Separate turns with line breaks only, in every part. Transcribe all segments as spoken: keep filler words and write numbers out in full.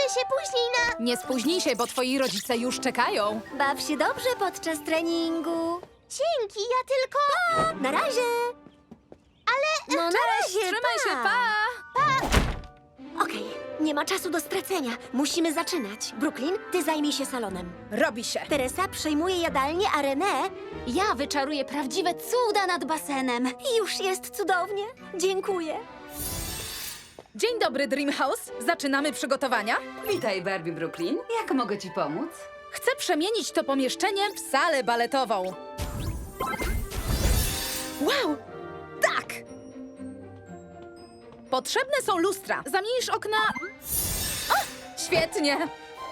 się później na...
Nie spóźnij się, bo twoi rodzice już czekają.
Baw się dobrze podczas treningu.
Dzięki, ja tylko...
Na razie.
Ale...
No na razie,
Trzymaj się, pa!
Okej, nie ma czasu do stracenia. Musimy zaczynać. Brooklyn, ty zajmij się salonem.
Robi się.
Teresa przejmuje jadalnię, a René...
Ja wyczaruję prawdziwe cuda nad basenem.
Już jest cudownie. Dziękuję.
Dzień dobry, Dreamhouse. Zaczynamy przygotowania.
Witaj, Barbie Brooklyn. Jak mogę ci pomóc?
Chcę przemienić to pomieszczenie w salę baletową. Wow! Tak! Potrzebne są lustra. Zamienisz okna... O, świetnie!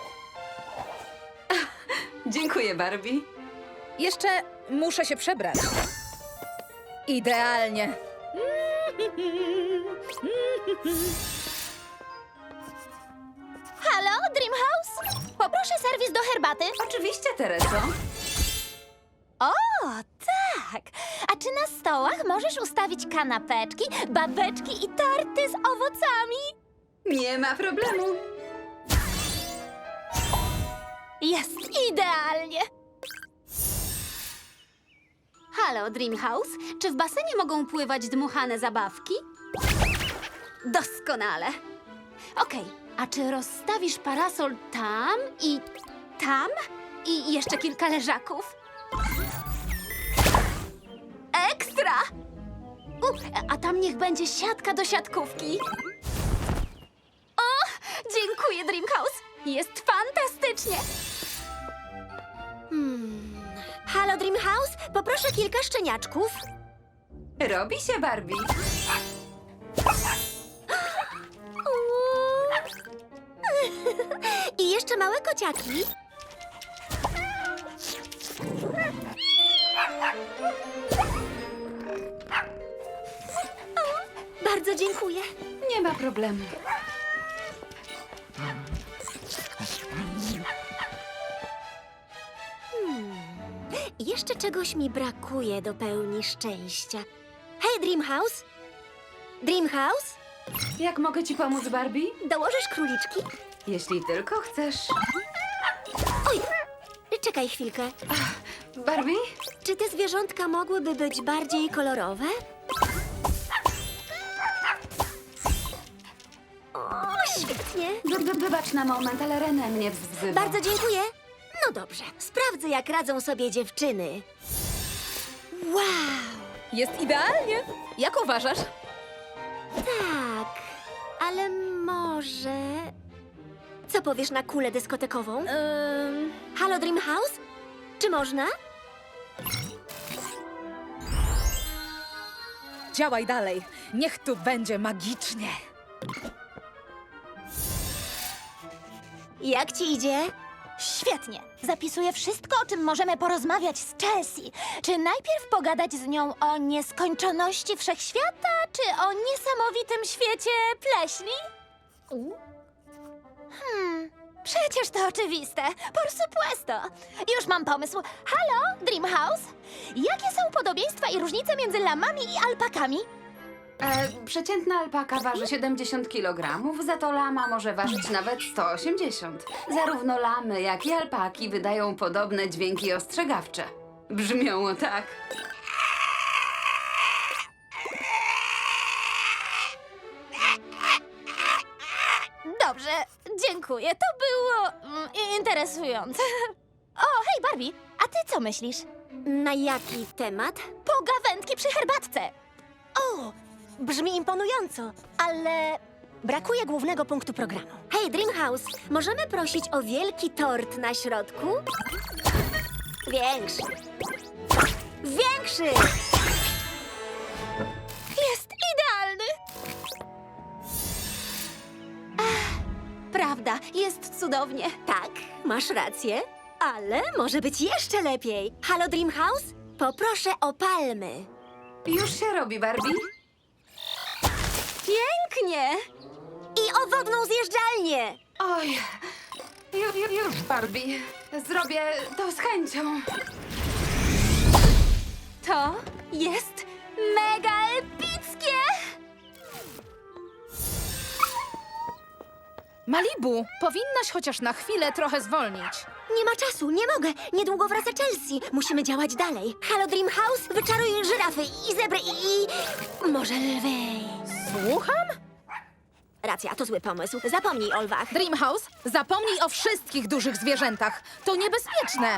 Dziękuję, Barbie.
Jeszcze muszę się przebrać. Idealnie.
Halo, Dreamhouse? Poproszę serwis do herbaty.
Oczywiście, Tereso.
O, tak! A czy na stołach możesz ustawić kanapeczki, babeczki i tarty z owocami?
Nie ma problemu.
Jest idealnie!
Halo, Dreamhouse. Czy w basenie mogą pływać dmuchane zabawki? Doskonale. Okej, a czy rozstawisz parasol tam i tam i jeszcze kilka leżaków? Ekstra! U, a tam niech będzie siatka do siatkówki. O, dziękuję, Dreamhouse. Jest fantastycznie.
Hmm. Halo, Dreamhouse, poproszę kilka szczeniaczków.
Robi się, Barbie.
I jeszcze małe kociaki. O, bardzo dziękuję.
Nie ma problemu.
I jeszcze czegoś mi brakuje do pełni szczęścia. Hej, Dreamhouse! Dreamhouse?
Jak mogę ci pomóc, Barbie?
Dołożysz króliczki?
Jeśli tylko chcesz.
Oj, czekaj chwilkę.
Barbie?
Czy te zwierzątka mogłyby być bardziej kolorowe? O, świetnie.
Wy- wy- Wybacz na moment, ale René mnie wzywa.
Bardzo dziękuję. No dobrze, sprawdzę, jak radzą sobie dziewczyny. Wow,
Jest idealnie. Jak uważasz?
tak, ale może... Co powiesz na kulę dyskotekową?
Ym,
Halo, Dreamhouse? Czy można?
działaj dalej. Niech tu będzie magicznie.
Jak ci idzie?
Świetnie. Zapisuję wszystko, o czym możemy porozmawiać z Chelsea. Czy najpierw pogadać z nią o nieskończoności wszechświata, czy o niesamowitym świecie pleśni? Hmm, przecież to oczywiste. Por supuesto. Już mam pomysł. Halo, Dreamhouse? Jakie są podobieństwa i różnice między lamami i alpakami?
E, przeciętna alpaka waży siedemdziesiąt kilogramów, za to lama może ważyć nawet sto osiemdziesiąt. Zarówno lamy, jak i alpaki wydają podobne dźwięki ostrzegawcze. Brzmią tak.
Dobrze, dziękuję. To było mm, interesujące. O, hej Barbie, a ty co myślisz?
Na jaki temat?
Pogawędki przy herbatce.
O, brzmi imponująco, ale brakuje głównego punktu programu. Hej, Dreamhouse, możemy prosić o wielki tort na środku? Większy. Większy!
Jest idealny.
Prawda, jest cudownie.
Tak, masz rację, ale może być jeszcze lepiej. Halo, Dreamhouse? Poproszę o palmy.
Już się robi, Barbie.
Pięknie!
I o wodną zjeżdżalnię.
Oj, ju, ju, już, Barbie. Zrobię to z chęcią.
To jest mega epickie!
Malibu, powinnaś chociaż na chwilę trochę zwolnić.
Nie ma czasu, nie mogę. Niedługo wraca Chelsea. Musimy działać dalej. Halo Dream House, wyczaruj żyrafy i zebry i... i... może lwy.
Słucham?
Racja, to zły pomysł. Zapomnij o lwach.
Dreamhouse, zapomnij o wszystkich dużych zwierzętach. To niebezpieczne.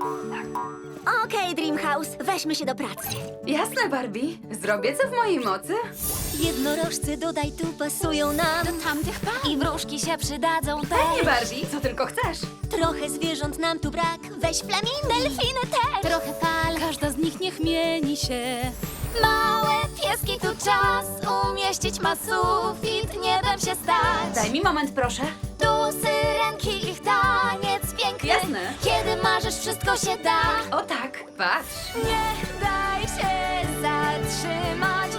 Okej, Dream House, weźmy się do pracy.
Jasne, Barbie. Zrobię co w mojej mocy.
Jednorożce dodaj tu pasują nam.
Do tamtych par. I wróżki się przydadzą też.
Nie, Barbie, co tylko chcesz.
Trochę zwierząt nam tu brak. Weź flamingo.
Delfiny też. Trochę fal.
Każda z nich niech mieni się.
Małe pieski tu czas umieścić ma sufit, nie dam się stać.
Daj mi moment, proszę.
Tu syrenki, ich taniec piękny.
Jasne.
Kiedy marzysz, wszystko się da.
O tak, patrz.
Nie daj się zatrzymać.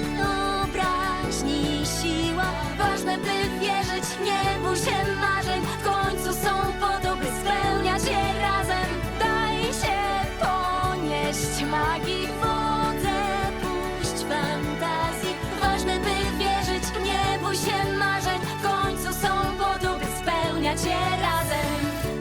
Wyobraźni siła. Ważne, by wierzyć, nie bój się marzeń. W końcu są po to, by spełniać je razem. Daj się ponieść magii w wodze. Puść fantazji. Ważne, by wierzyć, nie bój się marzeń. W końcu są po to, by spełniać je razem.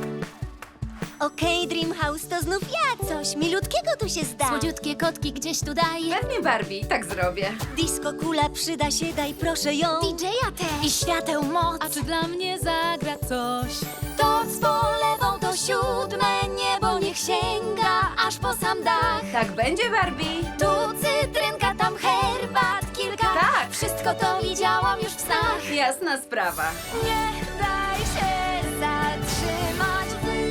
Okej, Dream House, to znów ja. Coś milutkiego tu się zda.
Słodziutkie kotki gdzieś tu daj.
Pewnie, Barbie, tak zrobię.
Disco kula przyda się, daj proszę ją.
D J-a też. I świateł moc.
A czy dla mnie zagra coś?
To z polewą to siódme niebo niech sięga aż po sam dach.
Tak będzie, Barbie.
Tu cytrynka, tam herbat kilka.
Tak.
Wszystko to widziałam już w snach.
Jasna sprawa.
Nie daj się zatrzymać.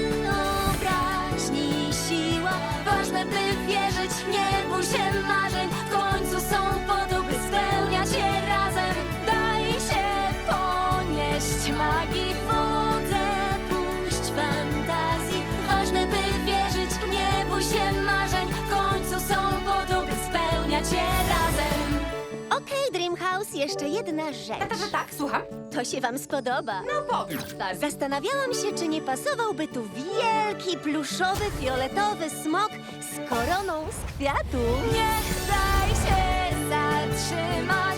Wyobraźni siła. Ważne, by wierzyć, nie bój się marzeń. W końcu są po to, by spełniać je razem. Daj się ponieść magii w wodze. Puść fantazji. Ważne, by wierzyć, nie bój się marzeń. W końcu są po to, by spełniać je razem.
Okej, Dream House, jeszcze jedna rzecz.
Tak, tak, tak, słucham.
To się wam spodoba.
No powiedz, Barbie.
Zastanawiałam się, czy nie pasowałby tu wielki, pluszowy, fioletowy smok z koroną z kwiatu.
Nie daj się zatrzymać.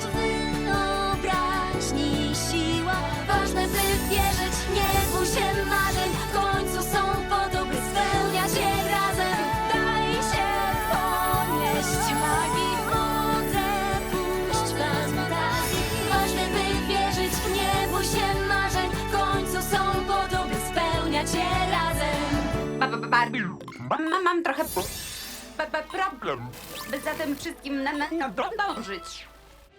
Wyobraźni siła. Ważne, by wierzyć, nie bój się marzeń. W końcu są po to, by spełniać je razem. Daj się ponieść magii w wodze. Puść fantazji. Ważne, by wierzyć, nie bój się marzeń. W końcu są po to, by spełniać je razem.
Ba, ba, ba, Barbie. Mam, mam trochę ba, ba, problem. By za tym wszystkim na, na, na dążyć.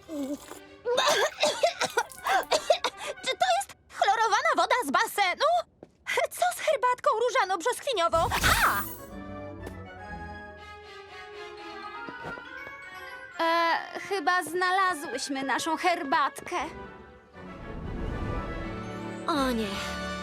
Czy to jest chlorowana woda z basenu? Co z herbatką różano-brzoskwiniową? A!
E, chyba znalazłyśmy naszą herbatkę.
O nie,